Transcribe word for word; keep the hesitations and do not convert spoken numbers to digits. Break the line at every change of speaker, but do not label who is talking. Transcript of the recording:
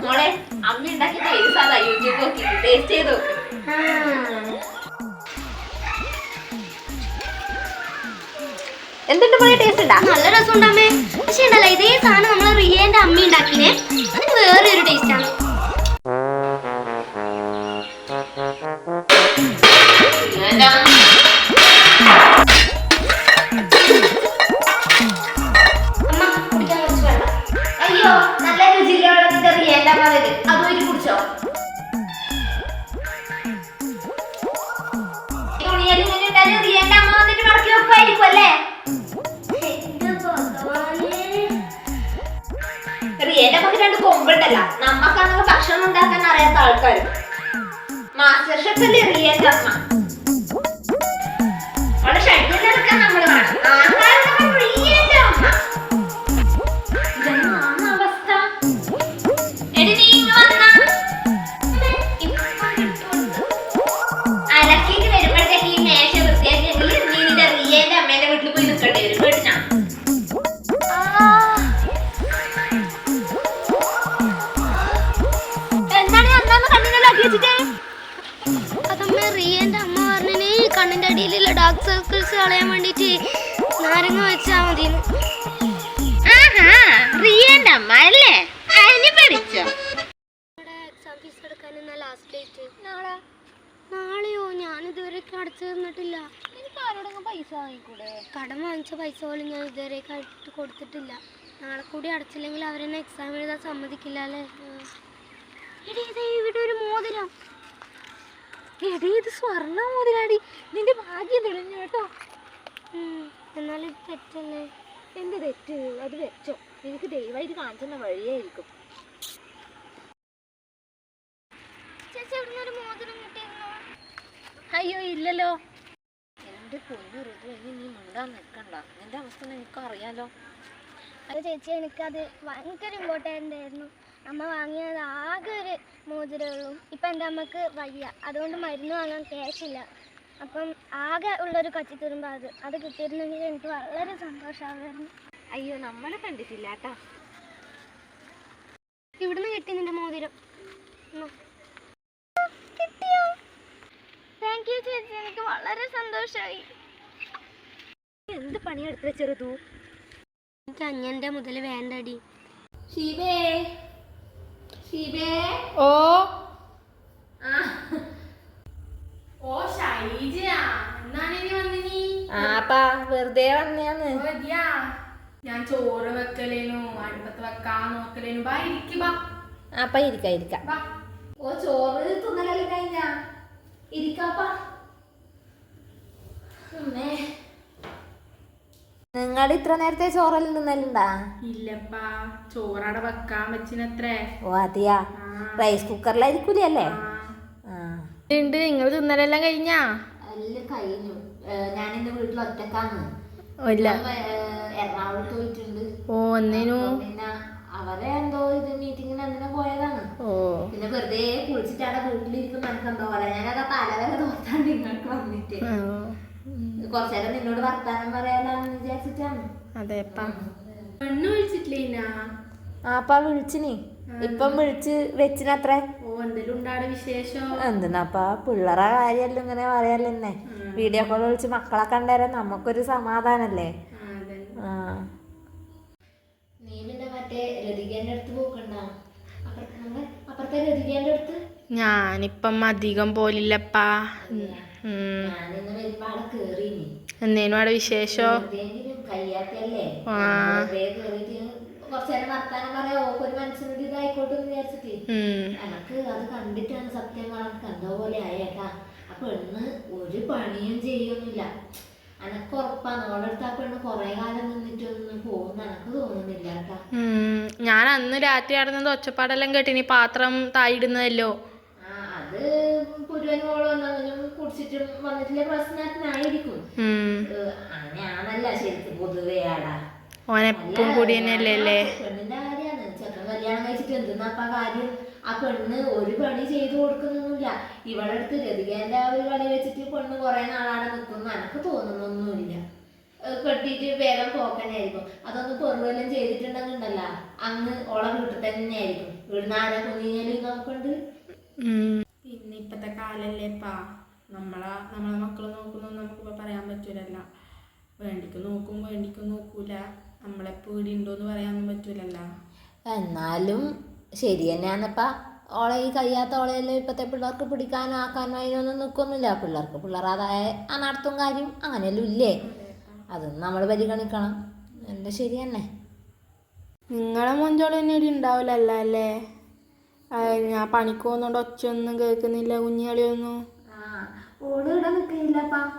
മോളെ അമ്മ ഉണ്ടാക്കി ടേസ്റ്റ് സാധാ യൂട്യൂബ് നോക്കി ടേസ്റ്റ് ചെയ്ത് നോക്ക്. എന്തുണ്ട് മോളെ ടേസ്റ്റ് ഉണ്ടാ?
നല്ല രസം ഉണ്ടാമേ. പക്ഷെ ഉണ്ടല്ലോ ഇതേ സാധനം നമ്മളെ റിയേന്റെ അമ്മ ഉണ്ടാക്കിനെ അതിന് വേറെ ഒരു ടേസ്റ്റ് ആണ്.
അയ്യോ നല്ല രുചിയിലുള്ള വെള്ളത്തിന്റെ റിയേന്റെ അമ്മ അതുമായിട്ട് കുടിച്ചോ? റിയേന്റെ അമ്മ വന്നിട്ട് മടക്കി വെക്കുമായിരിക്കും അല്ലേ? റിയേന്റെ അമ്മക്ക് രണ്ട് കൊമ്പുണ്ടല്ലോ. നമ്മക്കാണെങ്കിൽ ഭക്ഷണം ഉണ്ടാക്കാൻ അറിയാത്ത ആൾക്കാർ. മാസ്റ്റർ ഷെഫ് അല്ലേ റിയേന്റെ അമ്മ? അവളെ ഷഡ്യൂൾ എടുക്കാൻ നമ്മൾ വേണം. ആഹാരം റിയേന്റെ അമ്മ. ഇതെന്നാണ് അവസ്ഥ? എടി നീ ഇങ്ങ് വന്നാ അലക്കിട്ട് വരുമ്പോഴത്തേക്ക് ഈ മേശ വൃത്തിയാക്കിയെങ്കിൽ നീ നിന്റെ റിയേന്റെ അമ്മേന്റെ വീട്ടിൽ പോയി നിൽക്കേണ്ടി വരും. വീട്ടിനാ
അതമ്മ റിയേന്റെ അമ്മ പറഞ്ഞിന് കണ്ണിന്റെ അടിയിലുള്ള ഡാർക്ക് സർക്കിൾസ് കളയാൻ വേണ്ടിട്ട് നാരങ്ങ വെച്ചാ മതി.
റിയേന്റെ അമ്മ അല്ലേ?
എക്സാം ഫീസ് എടുക്കാൻ ലാസ്റ്റ് ഡേറ്റ് നാളെ. നാളെയോ? ഞാൻ ഇതുവരെ അടച്ചു തന്നിട്ടില്ല. എനിക്ക് ആരോടെങ്കിലും പൈസ വാങ്ങിക്കൂടെ? കടം വാങ്ങിച്ച പൈസ പോലും ഞാൻ ഇതുവരെ കൊടുത്തിട്ടില്ല. നാളെ കൂടി അടച്ചില്ലെങ്കിൽ അവരെന്നെ എക്സാം എഴുതാൻ സമ്മതിക്കില്ല അല്ലേ? ഇവിടെ ഒരു മോതിരം. എടീ ഇത് സ്വർണ്ണ മോതിരാടി. നിന്റെ ഭാഗ്യം തെളിഞ്ഞു കേട്ടോ. എന്നാലും തെറ്റല്ലേ?
എന്ത് തെറ്റ്? അത് വെച്ചോ. എനിക്ക് ദയവായിട്ട് കാണിച്ചെന്ന വഴിയായിരിക്കും.
ചേച്ചി എവിടുന്ന് ഒരു മോതിരം കിട്ടിയിരുന്നോ?
അയ്യോ ഇല്ലല്ലോ. എന്റെ പൊന്നു ഋതു, ഇനി നീ മിണ്ടാൻ നിൽക്കണ്ട. നിന്റെ അവസ്ഥ എനിക്ക് അറിയാലോ.
അത് ചേച്ചി എനിക്കത് ഭയങ്കര ഇമ്പോർട്ടൻ്റ് ആയിരുന്നു. അമ്മ വാങ്ങിയത് ആകെ ഒരു മോതിരേ ഉള്ളൂ. ഇപ്പം എൻ്റെ അമ്മക്ക് വയ്യ, അതുകൊണ്ട് മരുന്ന് വാങ്ങാൻ ക്യാഷില്ല. അപ്പം ആകെ ഉള്ളൊരു കച്ചിത്തുരുമ്പ് അത് അത് കിട്ടിയിരുന്നെങ്കിൽ എനിക്ക് വളരെ സന്തോഷമാകുമായിരുന്നു.
അയ്യോ നമ്മളെ കണ്ടിട്ടില്ല കേട്ടോ.
ഇവിടുന്ന് കിട്ടി നിന്റെ മോതിരം. കിട്ടിയോ? താങ്ക് യു ചേച്ചി, എനിക്ക് വളരെ സന്തോഷമായി.
എന്ത് പണിയെടുത്ത ചെറുതു?
എനിക്ക് അഞ്ഞൻ്റെ മുതൽ വേണ്ടടി.
ഷീബേ ഷീബേ
ഓ
ഓ ഷൈജയാ, എന്നാണ് ഇനി വന്നിനി?
ആപ്പാ വെറുതെ വന്നെയാന്ന്.
ഞാൻ ചോറ് വെക്കലേനു, അടുപ്പത്ത് വെക്കാൻ നോക്കലേനു. ബാ ഇരിക്ക് ബാ.
ആപ്പ ഇരിക്ക ഇരിക്ക.
ഓ ചോറ് തിന്നലെല്ലാം കഴിഞ്ഞാ? ഇരിക്കാപ്പാ.
നിങ്ങൾ ഇത്ര നേരത്തെ ചോറെല്ലാം തിന്നലുണ്ടാ?
ഇല്ലപ്പാ, ചോറടെ വെക്കാൻ വെച്ചിനത്രേ.
ഓ അതെയാ? റൈസ് കുക്കറിലായിരിക്കൂലേ അല്ലേ?
ഉണ്ട്. നിങ്ങൾ തിന്നലെല്ലാം കഴിഞ്ഞാ?
എല്ലാം കഴിഞ്ഞു. ഞാൻ എന്റെ വീട്ടിൽ ഒറ്റക്കാന്ന്. എറണാകുളത്ത് പോയിട്ടുണ്ട്.
ഓ ഒന്നിനു
പിന്നെ അവരെ എന്തോ ഇത് മീറ്റിങ്ങിന് എന്തിനാ പോയതാണ്. പിന്നെ വെറുതെ കുളിച്ചിട്ട് അവിടെ വീട്ടിലിരിക്കും. എനിക്ക് എന്തോ പോലെ ഞാനൊക്കെ തലവരെ തോറ്റാണ്ട് നിങ്ങൾക്ക് വന്നിട്ട് കുറച്ചേരം നിന്നോട് വർത്താനം പറയാനാന്ന് വിചാരിച്ചിട്ടാണ്.
അതെപ്പാ. പെണ്ണ് വിളിച്ചിട്ടില്ല?
ആപ്പാ വിളിച്ചിനി. ഇപ്പം വിളിച്ച് വെച്ചിനത്രേ.
ഓ എന്തെങ്കിലും ഉണ്ടാടെ വിശേഷം?
എന്തിനാപ്പാ പിള്ളേരെ കാര്യമല്ലോ ഇങ്ങനെ പറയല്ലേ. വീഡിയോ കോൾ വിളിച്ച് മക്കളെ കണ്ടേരാൻ നമുക്കൊരു സമാധാനല്ലേ. ആ
നീ പിന്നെ മറ്റേ രതികേന്റെ അടുത്ത് പോക്കണ്ട? അപ്പുറത്തെ രതികേന്റെ അടുത്ത്
ഞാനിപ്പം അധികം പോലില്ലപ്പാ.
ഞാനിന്ന് വരുമ്പോ അവിടെ കേറിനി.
എന്തേനും അവിടെ വിശേഷോ?
കഴിയാത്തല്ലേ കുറച്ചേരം വർത്താനം പറയാ. ഓക്ക് ഒരു മനസ്സിനൊരു ഇതായിക്കോട്ടെ എന്ന് വിചാരിച്ചിട്ട് എനക്ക് അത് കണ്ടിട്ടാണ് സത്യം പറഞ്ഞ എന്തോ പോലെ ആയേക്കാ. ആ പെണ്ണ് ഒരു പണിയും ചെയ്യൊന്നുമില്ല. എനക്ക് ഉറപ്പാണ് ഓടെ അടുത്ത് ആ പെണ്ണ് കൊറേ കാലം നിന്നിട്ടൊന്നും പോകുന്ന എനക്ക് തോന്നുന്നില്ല കേട്ടാ.
ഞാൻ അന്ന് രാത്രി നടന്നത് ഒച്ചപ്പാടെല്ലാം കേട്ടിനി. പാത്രം തായിടുന്നതല്ലോ.
ആ അത് പുരുവനോളം വന്നതിനും കുടിച്ചിട്ടും വന്നിട്ടില്ല പ്രശ്നത്തിനായിരിക്കും. അങ്ങനെയാണല്ല ശരിക്കും പൊതുവേ ആടാ.
ഓനെപ്പം കൂടി തന്നെയല്ലേ.
പെണ്ണിന്റെ കാര്യമാണ്. ചെക്കൻ കല്യാണം കഴിച്ചിട്ട് എന്തെന്നാപ്പ കാര്യം? ആ പെണ്ണ് ഒരു പണി ചെയ്തു കൊടുക്കുന്നൊന്നുമില്ല. ഇവളുടെ അടുത്ത് രതികേന്റെ ആ ഒരു പണി വെച്ചിട്ട് പെണ്ണ് കുറെ നാളാണ് നിൽക്കുന്നു എനക്ക് തോന്നുന്നൊന്നുമില്ല. കെട്ടിയിട്ട് വേഗം പോക്കാനായിരിക്കും. അതൊന്നും പൊറുവെല്ലാം ചെയ്തിട്ടുണ്ടെന്നുണ്ടല്ല അങ്ങ് ഓളെ വീട്ടിൽ തന്നെ ആയിരിക്കും. ഇവിടുന്ന് ആരാ കുഞ്ഞിഞ്ഞാലും നോക്കണ്ട്.
പിന്നെ ഇപ്പത്തെ കാലല്ലേപ്പാ, നമ്മളെ നമ്മളെ മക്കള് നോക്കുന്നു നമുക്കിപ്പോൾ പറയാൻ പറ്റൂലല്ലോ. വേണ്ടിക്ക് നോക്കും വേണ്ടിക്ക് നോക്കൂല, നമ്മളെപ്പോൾ ഇവിടെ ഉണ്ടോയെന്ന് പറയാനൊന്നും പറ്റൂലല്ലോ.
എന്നാലും ശരി തന്നെയാന്നപ്പാ. ഓളെ ഈ കഴിയാത്ത ഓളെല്ലാം ഇപ്പോഴത്തെ പിള്ളേർക്ക് പിടിക്കാനോ ആക്കാനോ അതിനൊന്നും നിൽക്കൊന്നുമില്ല. പിള്ളേർക്ക് പിള്ളേരാതായ ആ നടത്തും കാര്യം അങ്ങനെയെല്ലാം ഇല്ലേ, അതൊന്നും നമ്മൾ പരിഗണിക്കണം. എൻ്റെ ശരി തന്നെ.
നിങ്ങളെ മൊഞ്ചോളം തന്നെ ഇവിടെ ഉണ്ടാവില്ലല്ലോ അല്ലേ? ഞാൻ പണിക്ക് പോകുന്നോണ്ട് ഒച്ചയൊന്നും കേൾക്കുന്നില്ല കുഞ്ഞുകളിയൊന്നും.
ആ ഓള് ഇവിടെ നിൽക്കുന്നില്ലപ്പാ,